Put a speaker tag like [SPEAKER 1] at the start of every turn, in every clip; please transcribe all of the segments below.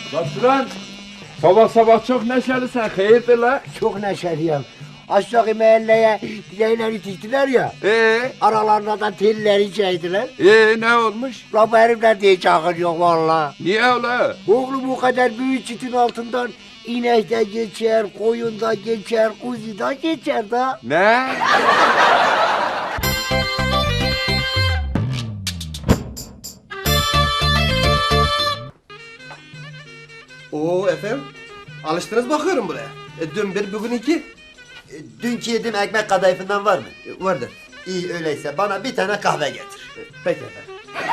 [SPEAKER 1] Lan sabah sabah çok neşelisin. Hayırdır la?
[SPEAKER 2] Çok neşeliyim. Aşağı mahalleye dileğler yetiştiler ya. Aralarında da telleri çektiler.
[SPEAKER 1] Ne olmuş?
[SPEAKER 2] La bu herifler diye çağırıyor valla.
[SPEAKER 1] Niye öyle?
[SPEAKER 2] Oğlum bu kadar büyük çitin altından inek de geçer, koyun da geçer, kuzu da geçer da.
[SPEAKER 1] Ne?
[SPEAKER 3] Oo efendim, alıştınız bakıyorum buraya. Dün bir, bugün iki.
[SPEAKER 2] Dünkü yediğim ekmek kadayıfından var mı?
[SPEAKER 3] Vardır.
[SPEAKER 2] İyi öyleyse bana bir tane kahve getir.
[SPEAKER 3] Peki efendim.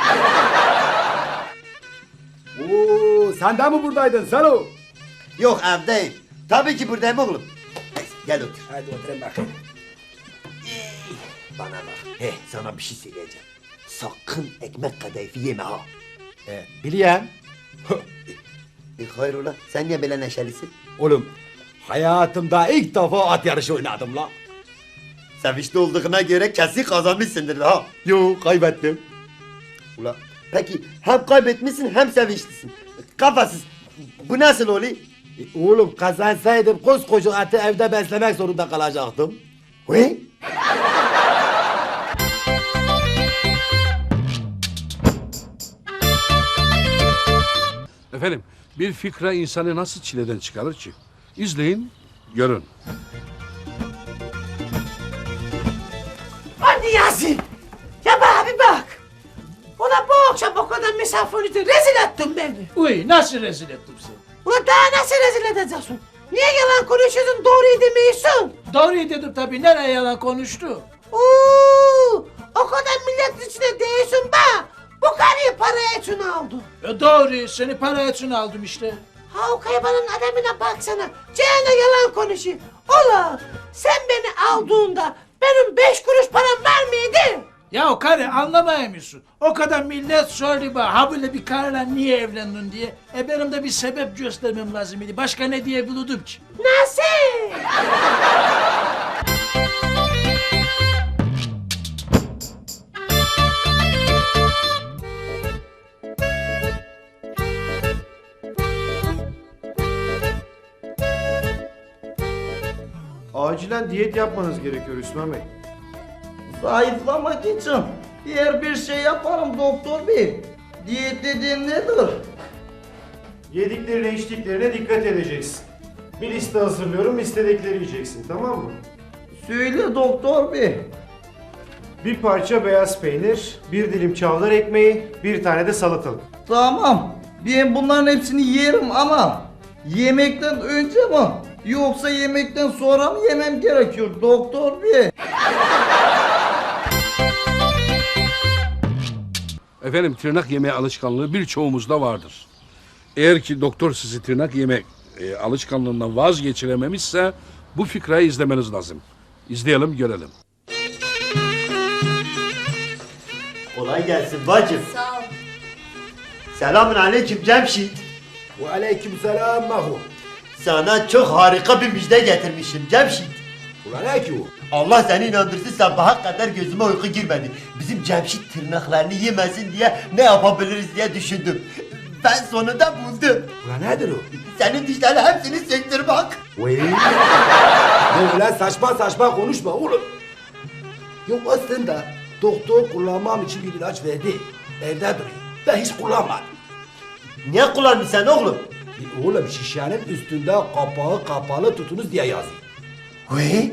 [SPEAKER 4] Oo, sen de mi buradaydın Salo?
[SPEAKER 2] Yok evdeyim. Tabii ki buradayım oğlum. Neyse gel otur.
[SPEAKER 4] Hadi oturayım bakayım.
[SPEAKER 2] Bana bak. Sana bir şey söyleyeceğim. Sakın ekmek kadayıfı yeme ha.
[SPEAKER 4] Biliyorum.
[SPEAKER 2] Hayrola sen niye böyle neşelisin?
[SPEAKER 4] Oğlum, hayatımda ilk defa at yarışı oynadım la.
[SPEAKER 2] Sevinçli olduğuna göre kesin kazanmışsındır ha.
[SPEAKER 4] Yo, kaybettim.
[SPEAKER 2] Ula peki hem kaybetmişsin hem sevinçlisin. Kafasız. Bu nasıl oluyor?
[SPEAKER 4] Oğlum kazansaydım koskoca atı evde beslemek zorunda kalacaktım.
[SPEAKER 2] He?
[SPEAKER 5] Efendim, bir fikra insanı nasıl çileden çıkarır ki? İzleyin, görün.
[SPEAKER 6] Hadi Yasin. Ya bana bir bak. Ulan bu akşam o kadar misafirlikte rezil ettin beni.
[SPEAKER 7] Uy nasıl rezil ettim seni?
[SPEAKER 6] Ulan daha nasıl rezil edeceksin? Niye yalan konuşuyorsun doğruyu demiyorsun?
[SPEAKER 7] Doğruyu dedim tabii, nereye yalan konuştu?
[SPEAKER 6] O kadar milletin içinde değilsin be. Bu karıyı para için aldı.
[SPEAKER 7] Doğru, seni para için aldım işte.
[SPEAKER 6] Ha o kaybanın adamına baksana. Ceyhan'a yalan konuşuyor. Ulan sen beni aldığında benim 5 kuruş param var mıydı?
[SPEAKER 7] Ya o karı anlamıyor musun? O kadar millet sordu bana, ha böyle bir karıyla niye evlendin diye. Benim de bir sebep göstermem lazım idi. Başka ne diyebilirdim ki?
[SPEAKER 6] Nasıl?
[SPEAKER 3] Acilen diyet yapmanız gerekiyor Hüsnü Bey.
[SPEAKER 8] Zayıflamak için diğer bir şey yaparım doktor bey. Diyet dediğin nedir?
[SPEAKER 9] Yediklerine içtiklerine dikkat edeceksin. Bir liste hazırlıyorum, listedekleri yiyeceksin, tamam mı?
[SPEAKER 8] Söyle doktor bey.
[SPEAKER 9] Bir parça beyaz peynir, bir dilim çavdar ekmeği, bir tane de salatalık.
[SPEAKER 8] Tamam. Ben bunların hepsini yerim ama yemekten önce mi? Yoksa yemekten sonra mı yemem gerekiyor doktor bey?
[SPEAKER 5] Efendim, tırnak yeme alışkanlığı birçoğumuzda vardır. Eğer ki doktor sizi tırnak yeme alışkanlığından vazgeçirememişse bu fikrayı izlemeniz lazım. İzleyelim, görelim.
[SPEAKER 2] Kolay gelsin bacım.
[SPEAKER 6] Sağ ol.
[SPEAKER 2] Selamun aleyküm Cemşit.
[SPEAKER 4] Ve aleykümselam Mahu.
[SPEAKER 2] Sana çok harika bir müjde getirmişim Cemşit.
[SPEAKER 4] Ulan ne ki o?
[SPEAKER 2] Allah seni inandırsın sabaha kadar gözüme uyku girmedi. Bizim Cemşit tırnaklarını yemesin diye ne yapabiliriz diye düşündüm. Ben sonunda buldum.
[SPEAKER 4] Ulan nedir o?
[SPEAKER 2] Senin dişlerin hepsini söktür bak.
[SPEAKER 4] Vay. Böyle saçma saçma konuşma oğlum. Yok aslında doktor kullanmam için bir ilaç verdi. Evde duruyor. Ben hiç kullanmadım.
[SPEAKER 2] Niye kullanmışsın sen oğlum?
[SPEAKER 4] Oğlum şişenin üstünde kapağı kapalı tutunuz diye yazıyor.
[SPEAKER 2] Vay.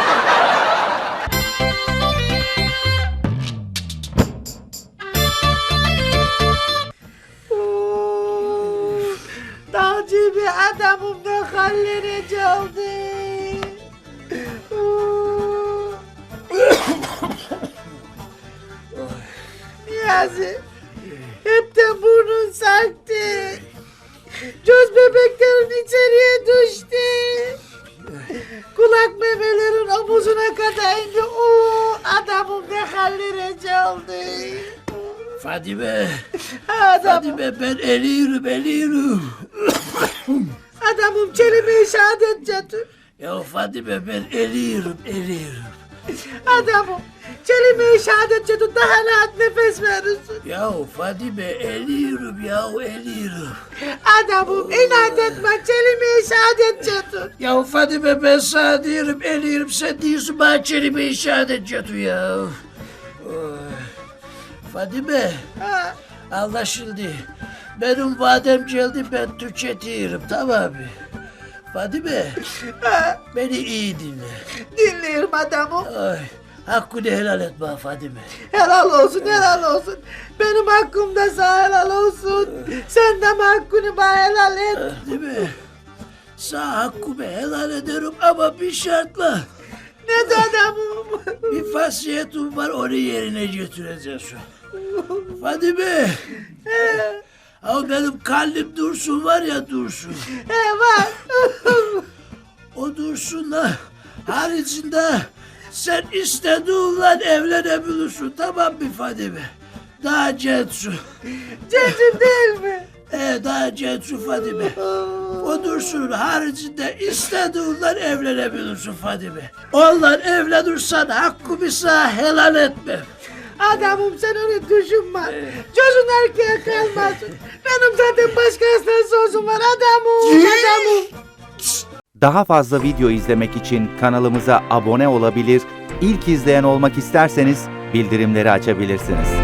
[SPEAKER 6] Dağcı bir adamım da hallere çaldı. Niyazi, hepten burnun sarktı. Göz bebeklerin içeriye düştü. Kulak memelerin omuzuna kadar indi. Adamım ne hallere çaldı.
[SPEAKER 7] Fadime,
[SPEAKER 6] Adam,
[SPEAKER 7] Fadime ben eliyorum.
[SPEAKER 6] adamım kelime-i şehadet getir.
[SPEAKER 7] Ya Fadime ben eliyorum.
[SPEAKER 6] Adamım, kelime-i şehadet çatın daha rahat nefes verirsin.
[SPEAKER 7] Ya Fadime eliyorum ya eliyorum.
[SPEAKER 6] Adamım, inat etme, kelime-i şehadet çatın.
[SPEAKER 7] Ya Fadime ben sana diyorum eliyorum sen diyorsun bana kelime-i şehadet çatı ya. Oy. Fadime
[SPEAKER 6] Ha,
[SPEAKER 7] anlaşıldı. Benim vadem geldi ben tüketiyorum tamam mı? Fadime beni iyi dinle.
[SPEAKER 6] dinliyorum adamım.
[SPEAKER 7] Ay, hakkını helal et bana Fadime.
[SPEAKER 6] Helal olsun, helal olsun. Benim hakkım da sana helal olsun. Sen de hakkını bana helal et.
[SPEAKER 7] Değil mi? Sana hakkımı helal ederim ama bir şartla.
[SPEAKER 6] Ne de adamım?
[SPEAKER 7] Bir vasiyetim var onu yerine götüreceksin. Fadime. Ama benim kalbim Dursun var ya Dursun.
[SPEAKER 6] Var.
[SPEAKER 7] O Dursun'la haricinde sen istediğinle evlenebilirsin tamam mı Fadime? Daha gençsin.
[SPEAKER 6] Cecim değil mi?
[SPEAKER 7] Daha gençsin Fadime. O Dursun'un haricinde istediğinle evlenebilirsin Fadime. Onunla evlenirsen hakkımı sana helal etmem.
[SPEAKER 6] Adamım sen onu düşünme. Çocuğun erkeğe kalmasın. Benim zaten başkasına sözüm var adamım. Adamım.
[SPEAKER 10] Daha fazla video izlemek için kanalımıza abone olabilir, ilk izleyen olmak isterseniz bildirimleri açabilirsiniz.